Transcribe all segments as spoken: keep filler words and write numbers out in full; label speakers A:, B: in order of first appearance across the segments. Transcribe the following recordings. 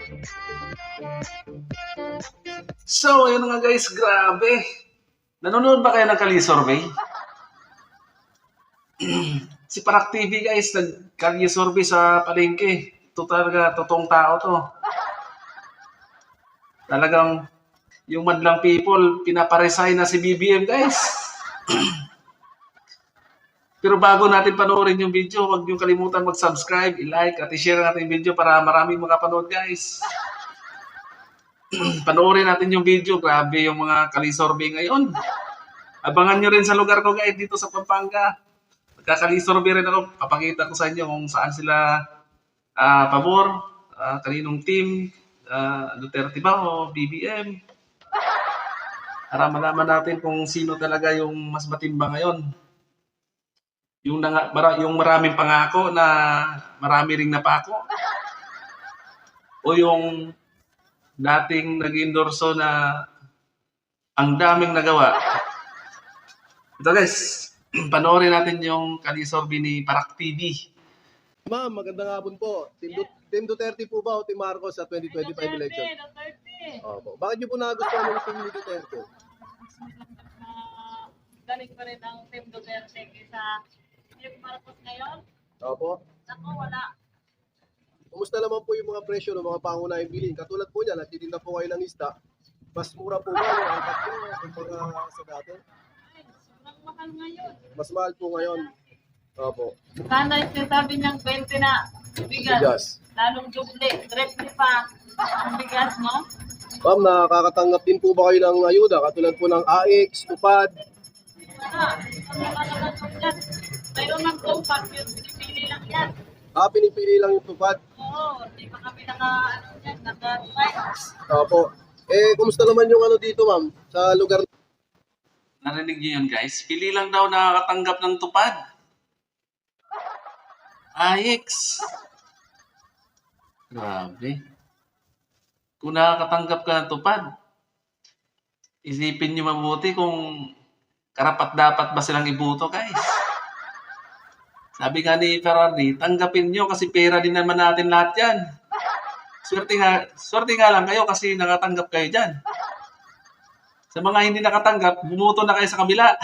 A: So, yun nga guys, grabe. Nanonood ba kayo ng Kali Survey? Si Parak T V guys, nag-Kali Survey sa palengke. Ito talaga, totoong tao to. Talagang, yung madlang people, pinaparesign na si B B M guys. Pero bago natin panoorin yung video, huwag niyo kalimutan mag-subscribe, i-like, at i-share natin yung video para maraming makapanood guys. Panoorin natin yung video. Grabe yung mga Kali Survey ngayon. Abangan nyo rin sa lugar ko guys, dito sa Pampanga. Magka-Kali Survey rin ako. Papakita ko sa inyo kung saan sila uh, pabor, uh, kaninong team, uh, Duterte ba o B B M. Para malaman natin kung sino talaga yung mas matimbang ngayon. Yung, nang, mara, yung maraming pangako na marami ring napako. O yung dating nag-endorso na ang daming nagawa. Ito guys, panoorin natin yung Kali Survey ni Parak T V.
B: Ma'am, magandang hapon po. Team, Du Team Duterte po ba o Team Marcos sa twenty twenty-five
C: Duterte,
B: election?
C: Duterte.
B: Opo. Bakit niyo po nagustuhan yung team ni Duterte?
C: Uh, galing pa rin ang Team Duterte kaysa Team Marcos ngayon.
B: Opo.
C: Ako, wala.
B: Kumusta naman po yung mga presyo ng mga pangunahing bilhin? Katulad po niya, nagtitinda po kayo ng isda. Mas mura po ba yung angkat nyo kumpara sa dati?
C: Ay, sobrang mahal ngayon.
B: Mas mahal po ngayon. Opo.
C: Sana yung sinasabi niyang twenty na bigas.
B: Bigas.
C: Lalong duble. Triple pa ang bigas, no?
B: Ma'am, nakakatanggap din po ba kayo ng ayuda? Katulad po ng A X, Tupad?
C: Wala. Ano ka naman po yan? Mayroon ng compact yun. Pinipili lang yan.
B: Ah, pinipili lang yung Tupad.
C: Oo. Hindi pa kami naka, ano yan, naka-try.
B: Opo. Eh, kumusta naman yung ano dito, ma'am? Sa lugar.
A: Narinig niyo yun guys? Pili lang daw nakakatanggap ng tupad. Ayeks. Grabe. Kung nakakatanggap ka ng tupad, isipin niyo mabuti kung karapat-dapat ba silang ibuto guys. Sabi nga ni Ferrari, tanggapin niyo kasi pera din naman natin lahat yan. Swerte nga, swerte nga lang kayo kasi nakatanggap kayo dyan. Sa mga hindi nakatanggap, bumuto na kayo sa kabila.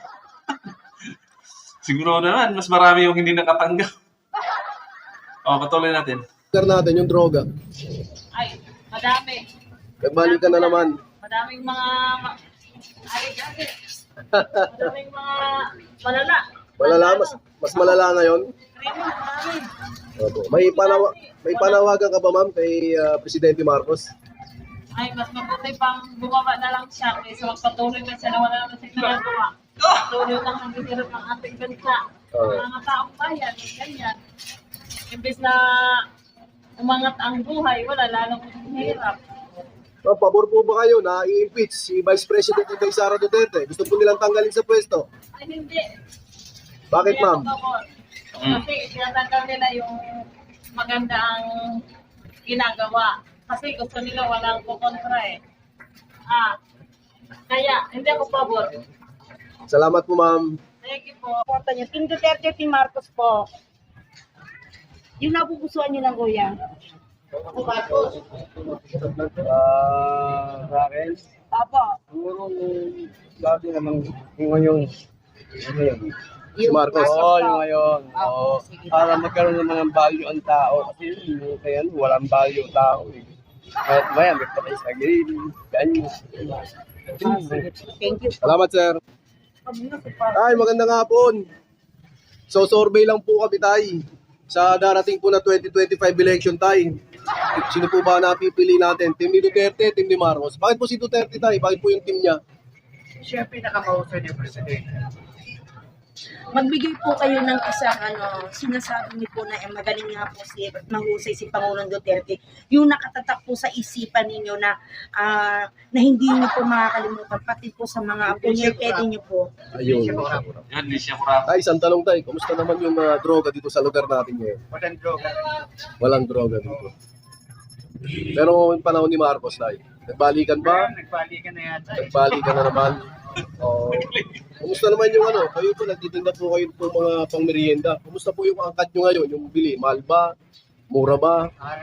A: Siguro naman, mas marami yung hindi nakatanggap. O, patuloy natin.
B: Lugar natin, yung droga.
C: Ay, madami.
B: Nagbalikan na naman.
C: Madaming mga... ma- Ay, dati. Madaming mga malala.
B: Malala, mas, mas malala ngayon.
C: Krimen, marami.
B: Opo. May, panawa, may panawagan ka ba, ma'am, kay ah, Presidente Marcos?
C: Ay, mas mabuti pang bumaba na lang siya kaysa magpatuloy na siya na wala naman siya nagagawa. Patuloy lang ang hirap ng ating bansa.
B: Oo.
C: Ang mga taong bayan, ganyan. Imbes na umangat ang buhay, wala lalong hirap.
B: Ma'am, pabor po ba kayo na i-impeach si Vice President Inday Sara Duterte? Gusto po nilang tanggalin sa pwesto.
C: Ay, hindi.
B: Bakit,
C: Hindi
B: ma'am?
C: ako pabor. Kasi tinatanggal nila yung maganda ang ginagawa. Kasi gusto nila walang kukontra eh. Ah, kaya hindi ako pabor.
B: Salamat po, ma'am.
C: Thank you po.
D: Porta niyo. Team Duterte, Team Marcos po. Yung napupusuan niyo ng kuya.
E: Ah, sa akin,
D: Opo.
E: siguro lagi naman yung ngayon. Ano yun?
B: Si Marcos.
E: Oo, yung ngayon. Oo.
D: sige.
E: Para magkaroon naman ng value ang tao. Kasi yung kaya walang value ang tao. Eh. Kahit maya, may patay sa grill. Ganyan.
D: Thank you.
B: Salamat, sir. Ay, magandang hapon. So, survey lang po kami, tay. Sa darating po na twenty twenty-five election, tay. Sino po ba napipili natin? Team ni Duterte, team ni Marcos. Bakit po si Duterte, tay? Bakit po yung team niya?
F: Siya pinakamausay niya, Presidente.
D: Magbigay po kayo ng isang ano, sinasabi niyo po na eh, magaling nga po si mahusay si Pangulong Duterte. Yung nakatatak po sa isipan ninyo na ah, na hindi niyo po makakalimutan pati po sa mga apo niyo, pwede niyo po.
B: Ayun.
A: Yan, di siya kurap.
B: Tay, isang tanong, tay. Kumusta naman yung ah, droga dito sa lugar natin ngayon?
F: Walang droga.
B: Walang droga dito. Pero yung panahon ni Marcos, tay. Nagbalikan ba?
F: Nagbalikan na yata.
B: Nagbalikan na naman. Oh, kumusta naman yung ano? Kayo po nagtitinda po kayo po mga pangmerienda. Kumusta po yung angkat nyo ngayon? Yung bili, mahal ba? Mura ba?
F: Ah,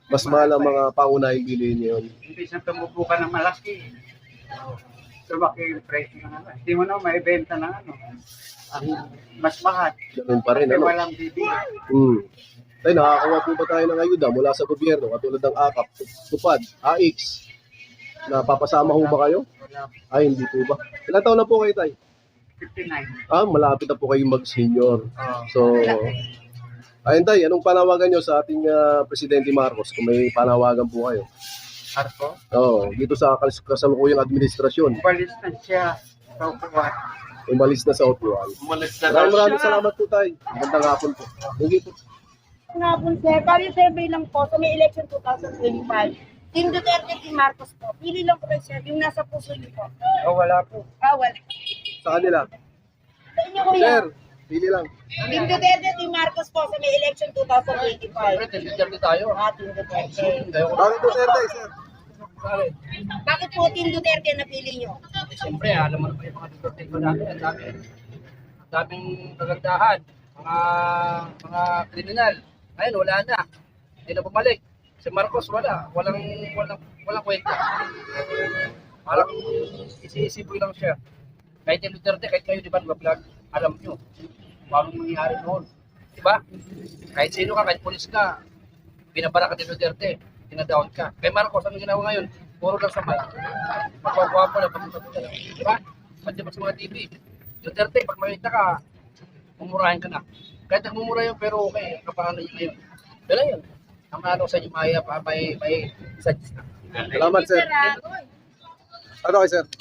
B: Mas mahal ang mga pangunahing bilihin niyo yun.
F: Hindi siya tumubo ka ng malaki. Lumaki yung presyo ng ano. Hindi mo na maibenta ng ano. Ang mas mahal.
B: Ganun pa rin,
F: Kasi
B: ano?
F: walang bibili.
B: Hmm. Tay, nakakakuha po ba tayo ng ayuda mula sa gobyerno katulad ng A K A P, Tupad, A X? Napapasama ho ba kayo?
F: Wala.
B: Ay, hindi po ba? Ilan taon na po kayo, Tay?
F: fifty-nine.
B: Ah, malapit na po kayong mag-senior.
F: Oh.
B: So, ayun, Tay, anong panawagan nyo sa ating ah, Presidente Marcos kung may panawagan po kayo?
F: Arko.
B: Oo, dito sa kas- kasalukuyang administrasyon,
F: Walis na siya sa upuan.
B: umalis na sa upuan.
A: Umalis na daw
B: Maraming maraming
A: siya.
B: salamat po, Tay. Magandang hapon po. Hindi po.
D: Nga po, sir. Bali survey lang po sa may election twenty twenty-five. Team Duterte, Team Marcos po. Pili lang po kayo, sir. Yung nasa puso niyo po.
F: Oh, wala po.
D: Ah, wala.
B: Sa kanila.
D: Sa inyo, kuya.
B: Sir, pili lang.
D: Team Duterte, Team Marcos po sa may election twenty twenty-five.
E: Team Duterte tayo.
D: Ah, Team Duterte.
B: Bakit Duterte, sir?
D: Bakit po Team Duterte na pili niyo?
E: Siyempre, alam mo naman yung mga Duterte ko dati. Ang dami. Ang daming kagandahan. Mga mga kriminal. Ngayon, wala na. Hindi na bumalik. Si Marcos, wala. Walang, walang, walang kwenta. Parang isi-isiboy lang siya. Kahit yung Duterte, kahit kayo, di ba, nag-vlog, alam nyo. Paano nangyari noon. Di ba? Kahit sino ka, kahit polis ka, binabara ka ni Duterte, tinadown ka. Kay Marcos, ano ginawa ngayon? Puro lang samay. Magwagwapo na, pagkakita lang. Di ba? Pati ba sa mga T V? Duterte, pag makita ka, mumurahin ka na. Kahit nagmumura yun, pero okay, kapaano yun ngayon. Dala yun. Ang ano sa inyo, may, may, may suggest na.
B: Salamat, sir.
D: ah.
B: Ano kay sir?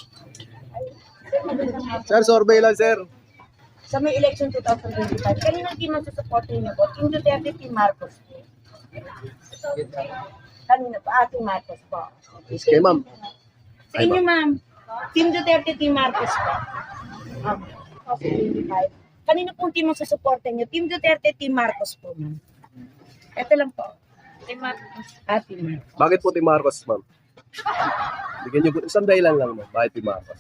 B: Sir, survey lang, sir.
D: Sa may election twenty twenty-five, kanina team ang susuportin niyo po? Team Duterte, Team Marcos po. Kanina po? Ah, Team Marcos po.
B: Okay, ma'am.
D: Sa inyo, ma'am. Team Duterte, Team Marcos po. Ah, twenty twenty-five. Kanina pong team ang susuportin niyo? Team Duterte, Team Marcos po, ma'am. Ito lang po.
C: Team Marcos.
D: Ah, Team Marcos.
B: Bakit po Team Marcos, ma'am? Bigyan niyo po, isang dahilan lang, ma'am. Bakit Team Marcos?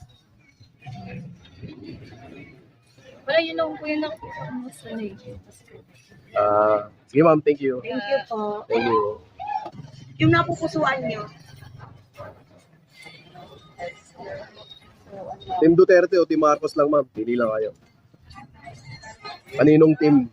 C: Wala, yun lang po yun lang po sa gusto niya.
B: Ah, sige, ma'am. Thank you.
D: Thank you po.
B: Thank you.
D: Yung napupusuan niyo?
B: Team Duterte o Team Marcos lang, ma'am. Pili lang kayo. Kaninong team?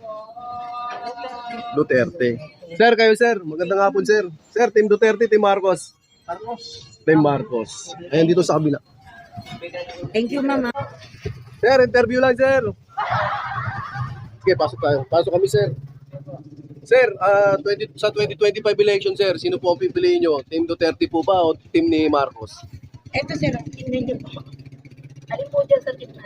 B: Duterte. Sir, kayo, sir. Magandang hapon, sir. Sir, Team Duterte, Team Marcos. Team Marcos. Ayan dito sa kabila.
D: Thank you, mama.
B: Sir, interview lang, sir. Sige, pasok tayo. Pasok kami, sir. Sir, ah, twenty, sa twenty twenty-five election, sir, sino po ang pipiliin nyo? Team Duterte po ba o team ni Marcos?
D: Ito, sir. Tingnan niyo po. Alin po dyan sa team na?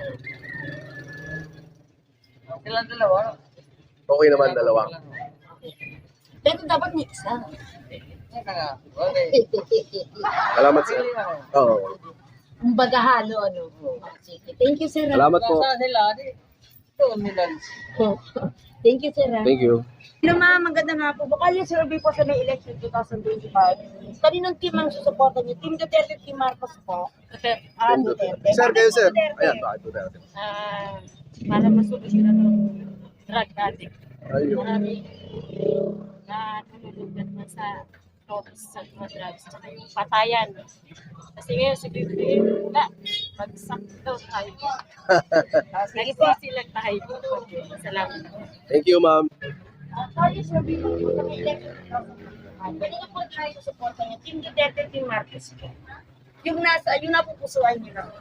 E: Silang dalawa.
B: Okay naman, dalawa.
D: Pero dapat may isa.
E: Okay.
B: Salamat, sir. Oo.
D: Kumbaga halo, ano. Sige. Thank you, sir.
B: Salamat po.
E: sila? Ito, Milan.
D: Thank you, sir.
B: Thank you.
D: Hello, ma'am. Maganda nga po. Baka yung survey po sa may election twenty twenty-five. Kaninong team ang susuporta niyo? Team Duterte, Team Marcos po? Ah,
B: Team
D: Duterte.
B: Duterte. Sir, kayo, sir.
D: Duterte.
B: Ayan, bakit Duterte?
C: Ah, para masolusyon ng drug addict.
B: Ayun.
C: Marami na nalulugan na sa drugs, sa mga drugs, tsaka yung patayan. Kasi ngayon, si Bibi, wala, bagsak daw tayo. Nagsisilag tayo. Salamat.
B: Thank you, ma'am.
D: Ah, yung survey po sa may election twenty twenty-five. Kanina po tayo susuporta niyo? Team Duterte, Team Marcos po? Yung nasa, yung napupusuan niyo lang.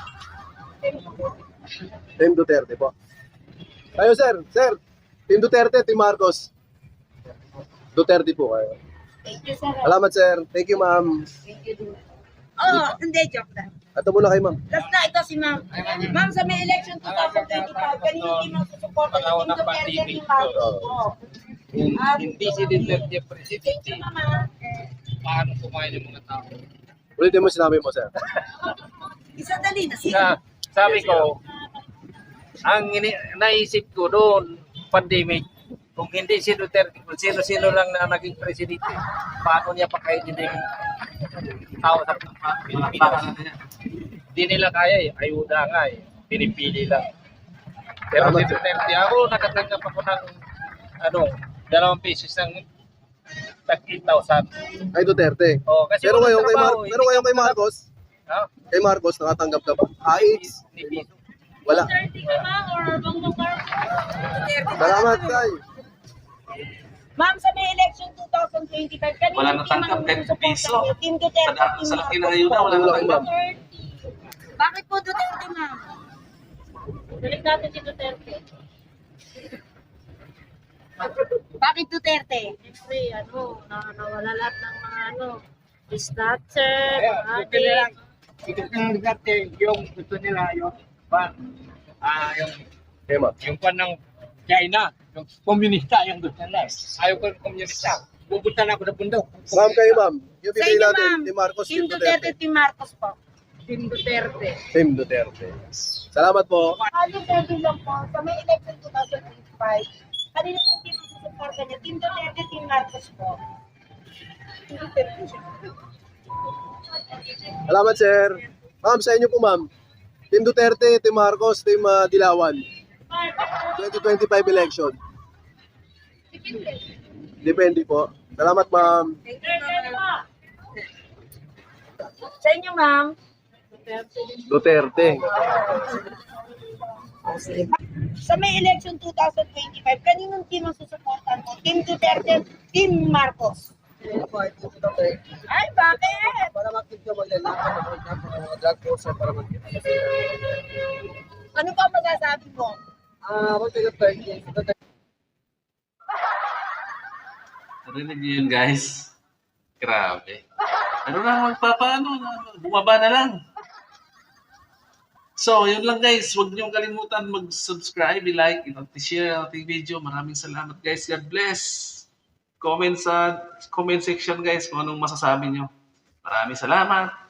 B: Team Duterte po. Kayo, sir. Sir, Team Duterte, Team Marcos. Duterte po kayo.
D: Thank you, sir.
B: Salamat, sir. Thank you, ma'am.
D: Thank you. Oh, hindi, joke lang.
B: Ito muna kay ma'am.
D: Last na, ito si ma'am. Ma'am, sa may election twenty twenty-five, kanina team ang susuporta niyo? Team Duterte, Team Marcos po? Ah,
E: Hindi si Duterte
D: Thank
E: presidente.
D: you, mama.
E: Paano kumain ng mga tao?
B: Ulitin mo sinabi mo, sir.
D: Isa dali na siya.
E: Sa, sabi ko, ang ini, naisip ko doon, pandemic, kung hindi si Duterte, kung sino-sino lang na naging presidente, paano niya pakainin yung tao sa Pilipinas? Hindi nila kaya eh, ayuda nga eh, pinipili lang. Pero si Duterte, ako nakatanggap ako ng ano, dalawang pesos ng tag eight thousand.
B: Kay Duterte.
E: Oh, kasi
B: Pero
E: walang
B: ngayon kay Mar
E: trabaho,
B: pero ngayon kay Marcos,
E: Ha?
B: kay Marcos nakatanggap ka ba? Ah, it's
E: Hindi.
B: wala.
C: thirty ka ba or Bongbong Marcos?
B: Salamat, Tay.
D: Ma'am, sa may election twenty twenty-five, kanina
A: Wala natanggap, kahit piso.
D: Team
A: Sa,
D: Duterte,
A: da-
D: Team
A: sa laki ng
D: Marcos
A: ayuda,
D: po.
A: wala natanggap.
D: Bakit po Duterte, ma'am?
C: Balik natin si Duterte.
D: Bakit Duterte?
C: Siyempre, ano, na, nawala lahat ng mga ano, snatcher,
F: Kaya, gusto nila, gusto nila dati, yung gusto nila, yung, pan, ah, yung,
B: Okay, ma'am.
F: yung pan ng China, yung komunista, yung gusto nila. Ayaw ko ng komunista. Pupunta na ako sa bundok.
B: Ma'am, kayo, ma'am. Yung
D: Sa
B: pipili
D: inyo,
B: natin,
D: ma'am.
B: ni Marcos,
D: Team
B: Team
D: Duterte,
B: Duterte.
D: Team Marcos po.
C: Team Duterte.
B: Team Duterte. Salamat po.
D: Aling sabi lang po, sa may election twenty twenty-five, kanina po team ang susuporta niya, Team Duterte, Team Marcos po. Team Duterte.
B: Salamat, sir. Ma'am, sa inyo po, ma'am. Team Duterte, Team Marcos, Team ah, Dilawan. twenty twenty-five election. Depende po. Salamat, ma'am.
C: Duterte po.
D: Sa inyo, ma'am.
B: Duterte.
D: Sa may election twenty twenty-five, kaninong team ang susuportan mo? Team Duterte, Team Marcos. Ay, bakit?
B: Para makita mo yan, mga drug course para makita.
D: Ano pa masasabi mo?
B: Ah, mag-Duterte.
A: Narinig niyo yun, guys. Grabe. Ano na, magpapaano na, bumaba na lang. So, yun lang guys. Huwag niyong kalimutan mag-subscribe, i-like, i-share ang ating video. Maraming salamat guys. God bless. Comment sa comment section guys kung anong masasabi niyo. Maraming salamat.